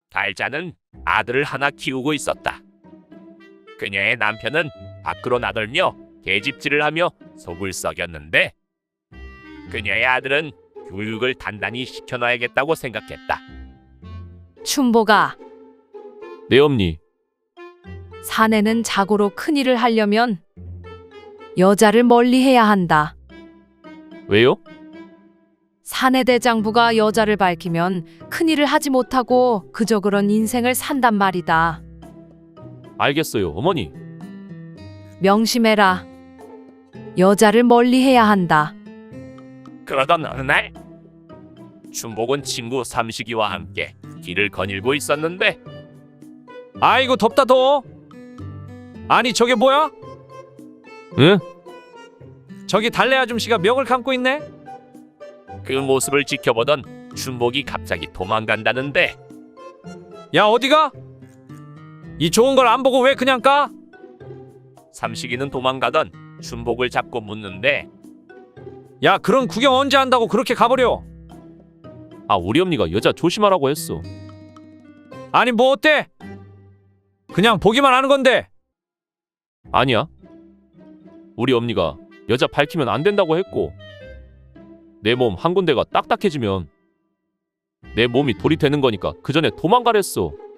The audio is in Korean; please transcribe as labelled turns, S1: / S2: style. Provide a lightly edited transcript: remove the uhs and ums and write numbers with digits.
S1: 달자는 아들을 하나 키우고 있었다. 그녀의 남편은 밖으로 나돌며 계집질을 하며 속을 썩였는데 그녀의 아들은 교육을 단단히 시켜놔야겠다고 생각했다.
S2: 춘보가
S3: 네 엄니.
S2: 사내는 자고로 큰일을 하려면 여자를 멀리해야 한다.
S3: 왜요?
S2: 사내 대장부가 여자를 밝히면 큰일을 하지 못하고 그저 그런 인생을 산단 말이다.
S3: 알겠어요 어머니.
S2: 명심해라. 여자를 멀리해야 한다.
S1: 그러던 어느 날 춘복은 친구 삼식이와 함께 길을 거닐고 있었는데
S4: 아이고 덥다 더워. 아니 저게 뭐야?
S3: 응?
S4: 저기 달래 아줌씨가 멱을 감고 있네?
S1: 그 모습을 지켜보던 춘복이 갑자기 도망간다는데
S4: 야 어디가? 이 좋은 걸 안 보고 왜 그냥 가?
S1: 삼식이는 도망가던 춘복을 잡고 묻는데
S4: 야 그런 구경 언제 한다고 그렇게 가버려?
S3: 아 우리 엄니가 여자 조심하라고 했어.
S4: 아니 뭐 어때? 그냥 보기만 하는 건데.
S3: 아니야. 우리 엄니가 여자 밝히면 안 된다고 했고 내 몸 한 군데가 딱딱해지면 내 몸이 돌이 되는 거니까 그 전에 도망가랬어.